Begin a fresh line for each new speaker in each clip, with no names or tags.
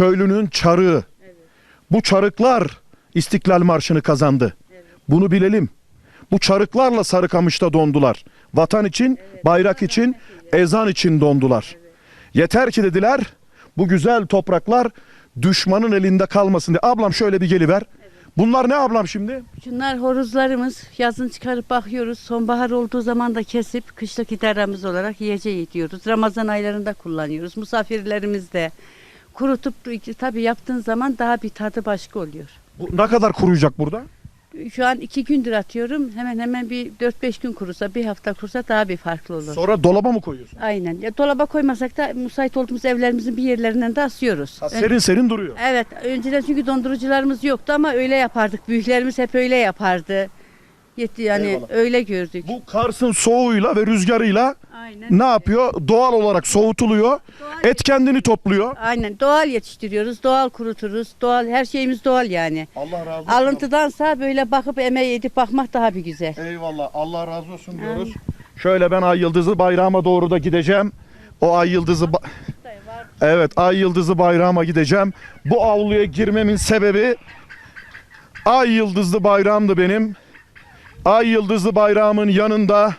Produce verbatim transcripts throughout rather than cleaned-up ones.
köylünün çarığı.
Evet.
Bu çarıklar İstiklal Marşı'nı kazandı.
Evet.
Bunu bilelim. Bu çarıklarla Sarıkamış'ta dondular. Vatan için,
Evet.
bayrak için, ezan için dondular.
Evet.
Yeter ki dediler bu güzel topraklar düşmanın elinde kalmasın diye. Ablam şöyle bir geliver. Bunlar ne ablam şimdi?
Şunlar horozlarımız. Yazın çıkarıp bakıyoruz. Sonbahar olduğu zaman da kesip kışlık idaramız olarak yiyeceği diyoruz. Ramazan aylarında kullanıyoruz. Misafirlerimiz de kurutup tabii yaptığın zaman daha bir tadı başka oluyor.
Bu ne kadar kuruyacak burada?
Şu an iki gündür atıyorum. Hemen hemen bir dört beş gün kurusa, bir hafta kurusa daha bir farklı olur.
Sonra dolaba mı koyuyorsun?
Aynen. Ya, dolaba koymasak da müsait olduğumuz evlerimizin bir yerlerinden de asıyoruz.
Ha, serin serin duruyor.
Evet. Önceden çünkü dondurucularımız yoktu ama öyle yapardık. Büyüklerimiz hep öyle yapardı. Yetti yani
Eyvallah.
öyle gördük.
Bu Kars'ın soğuğuyla ve rüzgarıyla
Aynen.
ne yapıyor? Doğal olarak soğutuluyor.
Doğal
Et kendini topluyor.
Aynen. Doğal yetiştiriyoruz. Doğal kuruturuz. Doğal her şeyimiz doğal yani.
Allah razı olsun.
Alıntıdansa böyle bakıp emeği edip bakmak daha bir güzel.
Eyvallah. Allah razı olsun diyoruz. Şöyle ben Ay Yıldızı bayrağıma doğru da gideceğim. O Ay Yıldızı ba- Evet, Ay Yıldızı bayrağıma gideceğim. Bu avluya girmemin sebebi Ay Yıldızlı bayrağımdı benim. Ay Yıldızlı bayrağımın yanında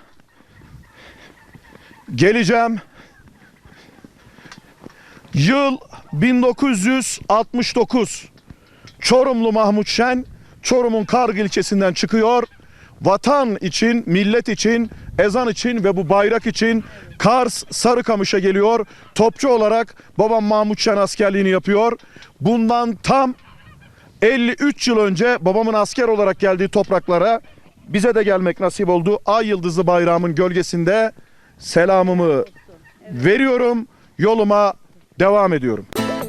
geleceğim. Yıl bin dokuz yüz altmış dokuz. Çorumlu Mahmut Şen Çorum'un Kargı ilçesinden çıkıyor. Vatan için, millet için, ezan için ve bu bayrak için Kars Sarıkamış'a geliyor. Topçu olarak babam Mahmut Şen askerliğini yapıyor. Bundan tam elli üç yıl önce babamın asker olarak geldiği topraklara bize de gelmek nasip oldu. Ay Yıldızlı bayrağımın gölgesinde selamımı veriyorum. Yoluma devam ediyorum.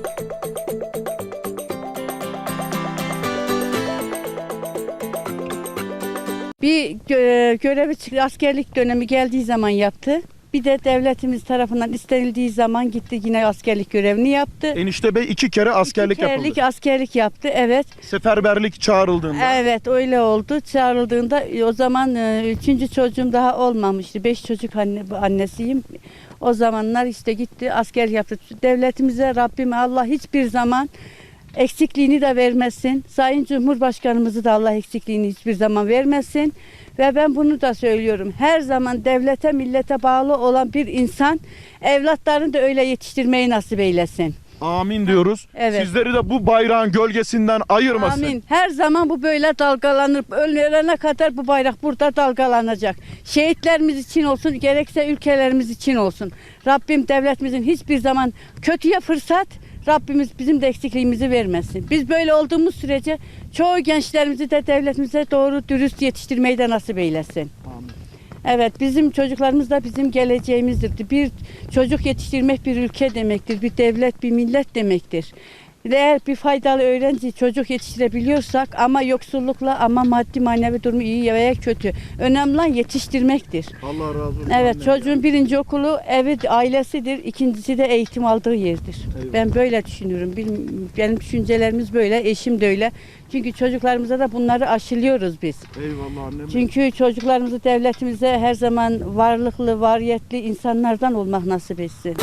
Bir gö- görevi çık- askerlik dönemi geldiği zaman yaptı. Bir de devletimiz tarafından istenildiği zaman gitti yine askerlik görevini yaptı.
Enişte Bey iki kere askerlik
İki kerelik
yapıldı.
askerlik yaptı, evet.
Seferberlik çağrıldığında.
Evet öyle oldu. Çağrıldığında e, o zaman e, üçüncü çocuğum daha olmamıştı. Beş çocuk anne, annesiyim. O zamanlar işte gitti asker yaptı. Devletimize Rabbim Allah hiçbir zaman eksikliğini de vermesin. Sayın Cumhurbaşkanımızı da Allah eksikliğini hiçbir zaman vermesin. Ve ben bunu da söylüyorum. Her zaman devlete millete bağlı olan bir insan evlatlarını da öyle yetiştirmeyi nasip eylesin.
Amin diyoruz.
Evet.
Sizleri de bu bayrağın gölgesinden ayırmasın.
Amin. Her zaman bu böyle dalgalanır. Ölene kadar bu bayrak burada dalgalanacak. Şehitlerimiz için olsun, gerekse ülkelerimiz için olsun. Rabbim devletimizin hiçbir zaman kötüye fırsat, Rabbimiz bizim de eksikliğimizi vermesin. Biz böyle olduğumuz sürece çoğu gençlerimizi de devletimize doğru dürüst yetiştirmeyi de nasip eylesin.
Amin.
Evet, bizim çocuklarımız da bizim geleceğimizdir. Bir çocuk yetiştirmek bir ülke demektir, bir devlet, bir millet demektir. Eğer bir faydalı öğrenci çocuk yetiştirebiliyorsak ama yoksullukla ama maddi manevi durumu iyi veya kötü. Önemli olan yetiştirmektir.
Allah razı olsun.
Evet,
annem.
çocuğun birinci okulu evi, ailesidir, ikincisi de eğitim aldığı yerdir.
Eyvallah.
Ben böyle düşünüyorum. Benim, benim düşüncelerimiz böyle, eşim de öyle. Çünkü çocuklarımıza da bunları aşılıyoruz biz.
Eyvallah annem.
Çünkü çocuklarımızı devletimize her zaman varlıklı, variyetli insanlardan olmak nasip etsin.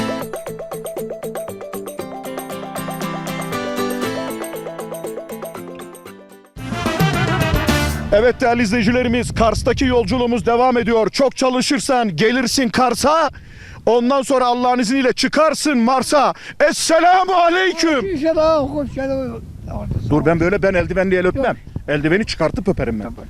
Evet değerli izleyicilerimiz, Kars'taki yolculuğumuz devam ediyor. Çok çalışırsan gelirsin Kars'a. Ondan sonra Allah'ın izniyle çıkarsın Mars'a. Esselamu aleyküm. Dur ben böyle ben eldivenli el öpmem. Eldiveni çıkartıp öperim ben.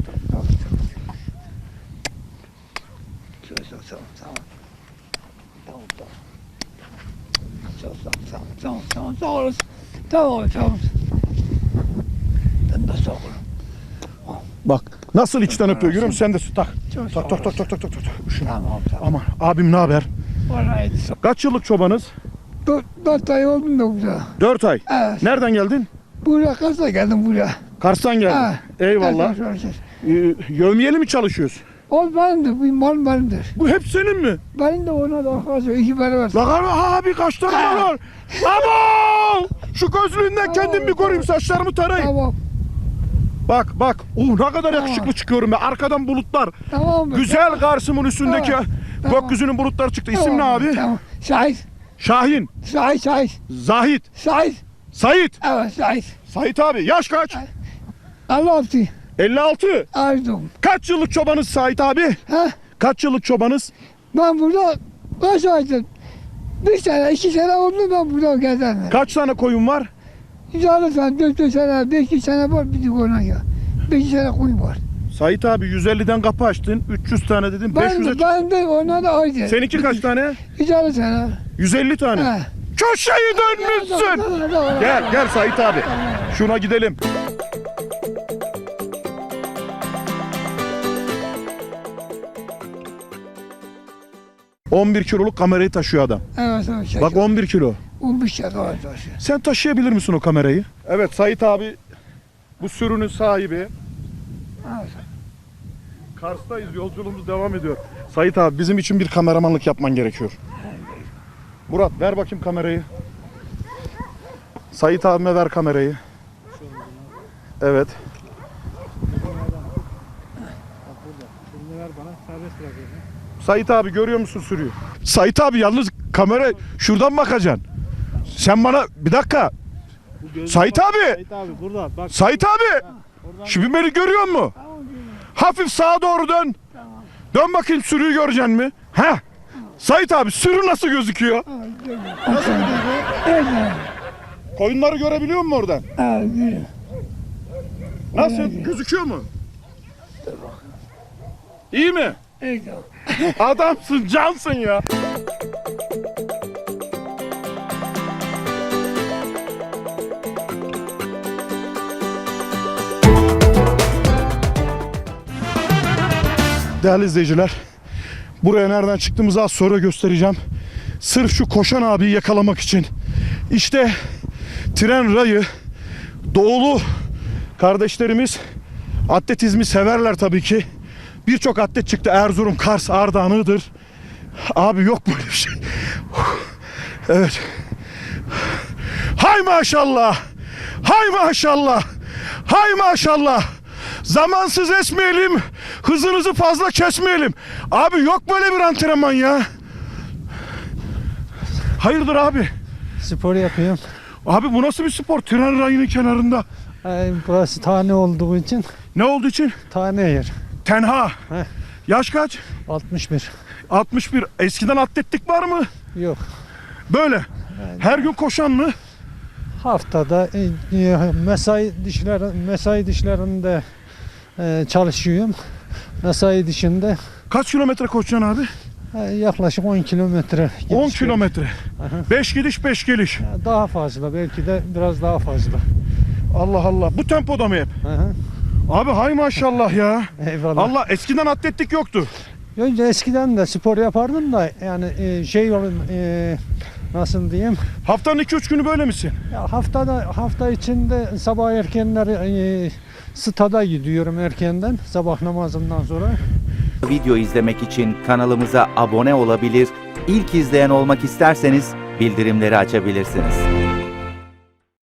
Tamam, tamam, sağ olasın. Tamam, tamam. Ben de sağ olun.
Bak nasıl içten öpüyor görüyor musun? Sen de tak.
Çok
Tak tak tak tak tak tak tak. Şunu.
Tamam, tamam.
Aman abim ne haber?
Vallahi
Kaç yıllık çobanız?
dört, dört ay oldu da burada.
Dört ay.
Evet.
Nereden geldin?
Buraya Kars'a geldim buraya.
Kars'tan geldin.
Ha.
Eyvallah. Ee, yevmiyeli mi çalışıyoruz?
O benimdir, bu mal benimdir.
Bu hep senin mi?
Benim de ona da arkadaşlar iki beraber.
Lan abi kaç tane var? Aman! Şu gözlüğünden kendimi bir koruyayım, saçlarımı tarayayım.
Tamam,
Bak bak. Uh, ne kadar
Tamam.
yakışıklı çıkıyorum ya. Arkadan bulutlar.
tamam mı?
Güzel Kars'ımın üstündeki
Tamam. Tamam.
gökyüzünün bulutları çıktı. İsim
Tamam,
ne abi?
Tamam. Şahit,
Şahin,
şahit, şahit,
Zahit,
şahit.
Sait.
Evet Sait.
Sait abi yaş kaç?
Allah altı.
elli altı.
Ardım.
Kaç yıllık çobanız Sait abi?
Ha?
Kaç yıllık çobanız?
Ben burada kaç aydır? Bir sene, iki sene oldu ben burada gezerim.
Kaç tane koyun var?
Yarı sene, dört dört sene, beş sene var bir ona ya. Beş sene koyun var.
Sait abi yüz elliden kapı açtın. üç yüz tane dedin. beş yüze
Ben, de, ben de ona da aynı.
Seninki kaç tane?
Yarı sene.
yüz elli tane.
Ha.
Köşeyi dönmüşsün. Gel gel Sait abi. Şuna gidelim. on bir kiloluk kamerayı taşıyor adam.
Evet, evet. Şey,
Bak on bir kilo.
on beş sene var.
Sen taşıyabilir misin o kamerayı? Evet Sait abi bu sürünün sahibi.
Evet.
Kars'tayız, yolculuğumuz devam ediyor. Sait abi bizim için bir kameramanlık yapman gerekiyor. Murat ver bakayım kamerayı. Sait abime ver kamerayı. Evet. Sait abi görüyor musun sürüyü? Sait abi yalnız kamera şuradan bakacaksın. Sen bana bir dakika. Sait abi.
Sait abi burada bak.
Sait abi. Şimdi beni görüyor musun? Hafif sağa doğru dön. Dön bakayım sürüyü göreceksin mi? Ha? Sait abi sürü nasıl gözüküyor? Nasıl gözüküyor?
Evet.
Koyunları görebiliyor musun oradan?
Evet.
Nasıl? Gözüküyor mu? İyi mi?
Evet.
Adamsın, cansın ya. Değerli izleyiciler, buraya nereden çıktığımızı az sonra göstereceğim. Sırf şu koşan abiyi yakalamak için. İşte tren rayı, doğulu kardeşlerimiz atletizmi severler tabii ki. Birçok atlet çıktı. Erzurum, Kars, Ardahan, Iğdır. Abi yok böyle bir şey. Evet. Hay maşallah. Hay maşallah. Hay maşallah. Zamansız esmeyelim. Hızınızı fazla kesmeyelim. Abi yok böyle bir antrenman ya. Hayırdır abi?
Spor yapıyorum.
Abi bu nasıl bir spor? Tren rayının kenarında.
Ay, burası tane olduğu için
Ne olduğu için?
tane yer.
Tenha.
Heh.
Yaş kaç?
altmış bir.
altmış bir. Eskiden atletlik var mı?
Yok.
Böyle. Her gün koşan mı?
Haftada e, mesai dişler mesai dişlerinde e, çalışıyorum. Mesai dışında
Kaç kilometre koşacaksın abi?
e, yaklaşık on kilometre.
on
gidiş
kilometre.
Aha.
beş gidiş beş geliş.
geliyor. Daha fazla, belki de biraz daha fazla.
Allah Allah. Bu tempoda mı hep?
Aha.
Abi hay maşallah ya.
Eyvallah.
Allah eskiden atletlik yoktu.
Önce eskiden de spor yapardım da yani e, şey olun e, nasıl diyeyim?
Haftanın iki üç günü böyle misin?
Ya haftada hafta içinde sabah erkenleri e, stada gidiyorum erkenden sabah namazından sonra.
Video izlemek için kanalımıza abone olabilir, ilk izleyen olmak isterseniz bildirimleri açabilirsiniz.